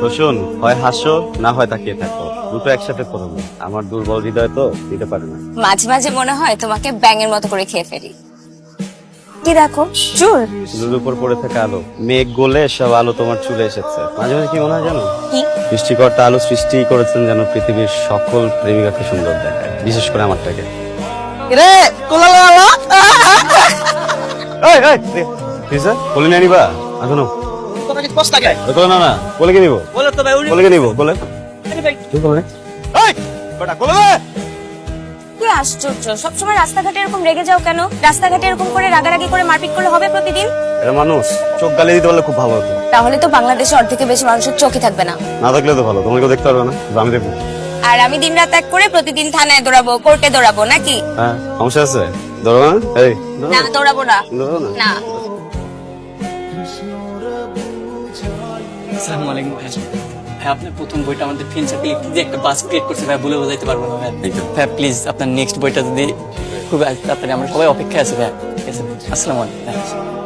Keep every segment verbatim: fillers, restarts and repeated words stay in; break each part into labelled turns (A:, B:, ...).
A: শোন, হয় হাসো না হয় তাকিয়ে থাকো, দুটো একসাথে করো না। আমার দুর্বল হৃদয় তো দিতে পারে না।
B: মাঝে মাঝে মনে হয় তোমাকে ব্যাঙের মতো করে খেয়ে ফেলি। কি দেখো, চুল।
A: চুলের উপর পড়ে থাকা আলো, মেঘ গলে সব আলো তোমার চুলে এসেছে। মাঝে মাঝে কি মনে হয় জানো,
B: কি?
A: সৃষ্টিকর্তা আলো সৃষ্টি করেছেন যেন পৃথিবীর সকল প্রেমিকাকে সুন্দর দেখায়, বিশেষ করে আমারটাকে।
C: রে কোলালে আলো
A: এই এই ঠিক আছে, কোলে নিয়ে নিবা এখনো?
C: তোরা কি কষ্ট লাগে
A: কোলে না না, কোলে কে নিবো?
C: বলে তো ভাই উনি
A: কোলে কে নিবো? কোলে
C: ভাই
A: তুই কোলে এই বেটা কোলে নে।
B: কি আশ্চর্য, সবসময় রাস্তাঘাটে এরকম রেগে যাও কেন? রাস্তাঘাটে এরকম করে রাগারাগি করে মারপিট করলে হবে প্রতিদিন?
A: এটা মানুষ, চোখ গালি দিতে পারলে খুব ভালো হতো।
B: তাহলে তো বাংলাদেশে অর্ধেকের বেশি মানুষের চোখই থাকবে না।
A: না থাকলে তো ভালো, তোমাকে দেখতে পারবে না, আমি দেখবো।
B: আর আমি দিন রাত এক করে প্রতিদিন থানায় দৌড়াবো, কোর্টে দৌড়াবো নাকি?
A: হ্যাঁ সমস্যা আছে, ধরো না। এই
B: না দৌড়াবো না।
A: ধরো না।
B: না।
C: আসসালামু আলাইকুম ভাই। ভাই আপনার প্রথম বইটা আমাদের ফিনসার্টে যে একটা বাস ক্রিয়েট করছে ভাই, বলে বোঝাইতে পারবো না ভাই। ভাই প্লিজ আপনার নেক্সট বইটা যদি খুব তাড়াতাড়ি, আমরা সবাই অপেক্ষায় আছি ভাই। ঠিক আছে, আসসালামু আলাইকুম ভাই।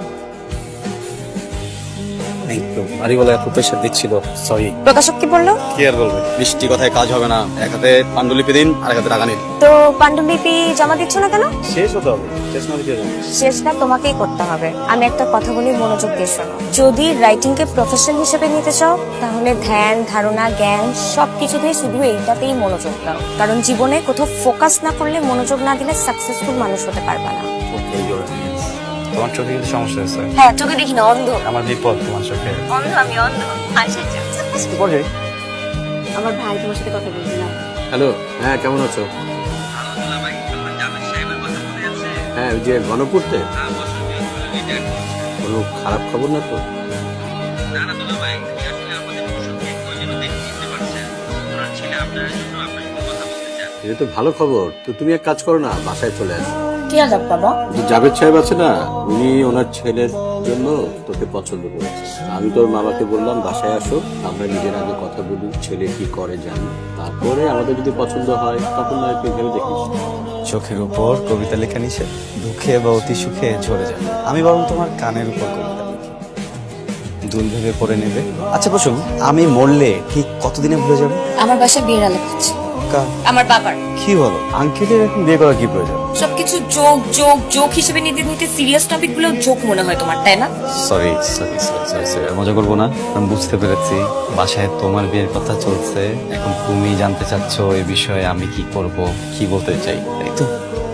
A: বাড়ি বলে এত প্রেশার দিচ্ছিল, সরি।
B: প্রকাশক কি বললো?
A: কি আর বলবে, বৃষ্টি কথায় কাজ হবে না। এক হাতে পাণ্ডুলিপি দিন, আর এক হাতে টাকা নিন।
B: তো পাণ্ডুলিপি জমা দিচ্ছ না কেন?
A: শেষ হতে হবে, শেষ না দিতে যাবো।
B: শেষটা তোমাকেই করতে হবে। আমি একটা কথা বলি, মনোযোগ দিয়ে শোনো। যদি রাইটিং কে প্রফেশন হিসেবে নিতে চাও, তাহলে ধ্যান ধারণা জ্ঞান সবকিছুতেই শুধু এইটাতেই মনোযোগ দাও। কারণ জীবনে কোথাও ফোকাস না করলে, মনোযোগ না দিলে সাকসেসফুল মানুষ হতে পারবে না।
A: তোমার চোখে কিন্তু সমস্যা আছে।
B: হ্যাঁ, চোখে দেখি না, অন্ধ।
A: আমার বিপদ তোমার চোখে।
B: অন্ধ আমি, অন্ধ। আমার ভাই তোমার সাথে কথা বলছি না।
D: হ্যালো, হ্যাঁ কেমন আছো? হ্যাঁ ওই যে গণপূর্তে কোনো খারাপ খবর না তো? এটা তো ভালো খবর। তো তুমি এক কাজ করো না, বাসায় চলে আসো।
B: কি আলাপ বাবা?
D: যে জাভেদ সাহেব আছে না, উনি ওনার ছেলের জন্য তোকে পছন্দ করেছে। আমি তোর মামাকে বললাম বাসায় আসো, আমরা নিজের আগে কথা বলি, ছেলে কি করে জানি, তারপরে আমাদের যদি পছন্দ হয় তখন না একটু ভেবে দেখিস।
A: চোখের উপর কবিতা লেখা নিষেধ, দুঃখে বা অতি সুখে ঝরে যাবে। আমি বরং তোমার কানের উপর কবিতা লিখি, দুল ভেবে পড়ে নেবে। আচ্ছা বসুন, আমি মরলে ঠিক কতদিনে ভুলে যাবে?
B: আমার বাসায় বিয়ের আলাপ হচ্ছে।
A: কার?
B: আমার বাবার।
A: কি বলো? আঙ্কেলের এখন বিয়ে করার কি প্রয়োজন?
B: সবকিছু যোগ যোগ যোগ হিসেবে নিতে নিতে সিরিয়াস টপিক গুলো যোগ মনে হয় তোমার, তাই না?
A: সরি সরি সরি সরি, মজা করবো না। আমি বুঝতে পেরেছি বাসায় তোমার বিয়ের কথা চলছে, এখন তুমি জানতে চাচ্ছ এই বিষয়ে আমি কি করব, কি বলতে চাই, তাই তো?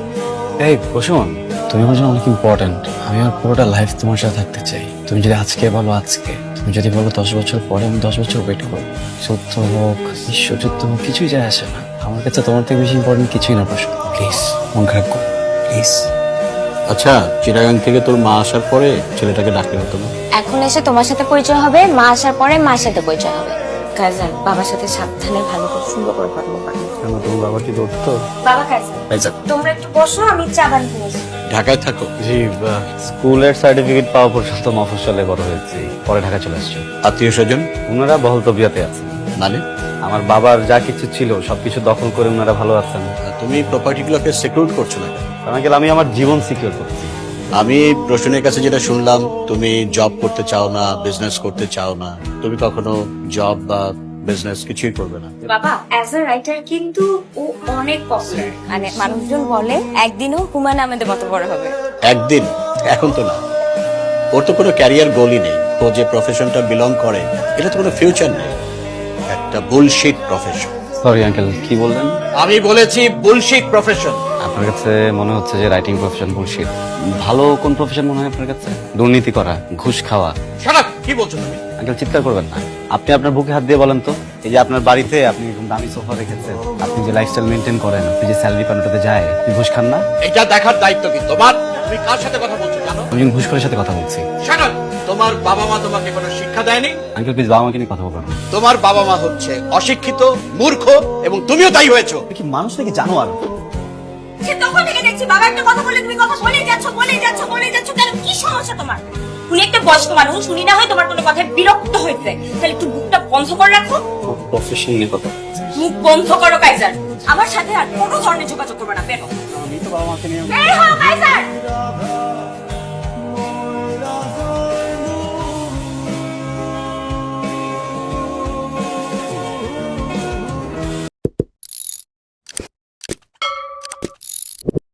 A: এই বসুন, তুমি আমার জন্য অনেক ইম্পর্টেন্ট। আমি আমার পুরোটা লাইফ তোমার সাথে থাকতে চাই। তুমি যদি আজকে বলো আজকে, তুমি যদি বলো দশ বছর পরে, আমি দশ বছর ওয়েট করবো। সত্য হোক ঈশ্বরযুদ্ধ হোক, কিছুই যায় আসে না। আমার কাছে তোমার থেকে বেশি ইম্পর্টেন্ট কিছুই না। বসুন প্লিজ, মন খারাপ করো প্লিজ।
D: আচ্ছা, চিটাগাং থেকে তোর মা আসার পরে ছেলেটাকে ডাকলে হতো না?
B: এখন এসে তোমার সাথে পরিচয় হবে, মা আসার পরে মার সাথে পরিচয় হবে। কাজান, বাবার সাথে সাবধানে ভালো করে সুন্দর করে কথা বলবা।
A: কেন, তোমার বাবা কি ধরতো?
B: বাবা কাজান, তোমরা একটু বসো, আমি চা বানিয়ে নিয়ে আসি।
D: ঢাকায় থাকো?
A: জি, স্কুলের সার্টিফিকেট পাওয়া পর্যন্ত মফস্বলে বড় হয়েছি, পরে ঢাকা চলে আসছি।
D: আত্মীয় স্বজন
A: ওনারা বহল তবিয়াতে আছেন।
D: মানে?
A: আমার বাবার যা কিছু ছিল সবকিছু দখল করে ওনারা ভালো আছেন।
D: তুমি প্রপার্টিগুলোকে সিকিউর করছো না কেন?
A: আঙ্কেল, আমি আমার জীবন সিকিউর করছি।
D: আমি রোশনের কাছে যেটা শুনলাম, তুমি জব করতে চাও না, বিজনেস করতে চাও না। তুমি কখনো জব বা বিজনেস কিছুই করবে না।
B: বাবা অ্যাজ আ রাইটার কিন্তু ও অনেক পপুলার। মানে মানুষজন বলে একদিনও হুমায়ুন আহমেদের মতো বড় হবে।
D: একদিন? এখন তো না। ওর তো কোনো ক্যারিয়ার গোলই নেই। ও যে প্রফেশনটা বিলং করে, এটা তো কোনো ফিউচার নেই, একটা বুলশিট প্রফেশন।
A: সরি আঙ্কেল, কি বললেন?
D: আমি বলেছি বুলশিট প্রফেশন।
A: আপনার কাছে মনে হচ্ছে যে রাইটিং প্রফেশন বুলশিট। ভালো কোন প্রফেশন মনে হয় আপনার কাছে? দুর্নীতি করা, ঘুষ খাওয়া।
D: Shut up! কি বলছো তুমি?
A: আঙ্কেল চিৎকার করবেন না। আপনি আপনার বুকে হাত দিয়ে বলেন তো, এই যে আপনার বাড়িতে আপনি এরকম দামি সোফা রেখেছেন, আপনি যে লাইফস্টাইল মেনটেন করেন, আপনি যে স্যালারি পান ওটাতে যায়, আপনি ঘুষ খান না?
D: এটা দেখার দায়িত্ব কি তোমার? তুমি কার সাথে কথা বলছো জানো?
A: আমি একজন ঘুষখোরের সাথে কথা বলছি।
D: Shut up! তোমার বাবা মা তোমাকে কোনো শিক্ষা দেয়নি?
A: আঙ্কেল প্লিজ বাবা মাকে নিয়ে কথা বলবেন না।
D: তোমার বাবা মা হচ্ছে অশিক্ষিত, মূর্খ, এবং তুমিও তাই হয়েছো।
A: কি মানুষ নাকি জানো? আর
B: সে তখন থেকে দেখছি বাবা একটা কথা বলে তুমি কথা বলেই যাচ্ছ বলেই যাচ্ছ বলেই যাচ্ছ। কেন, কি সমস্যা তোমার? উনি একটা বয়স্ক মানুষ, শুনি না হয় তোমার কোনো কথায় বিরক্ত হয়েছে, তাহলে একটু মুখটা বন্ধ করে রাখো।
A: প্রফেশন নিয়ে কথা।
B: মুখ বন্ধ করো কাইজার। আমার সাথে আর কোনো ধরনের যোগাযোগ করবে না, বেরো।
A: আমি তো বাবা মাকে নিয়ে
B: বের হও কাইজার।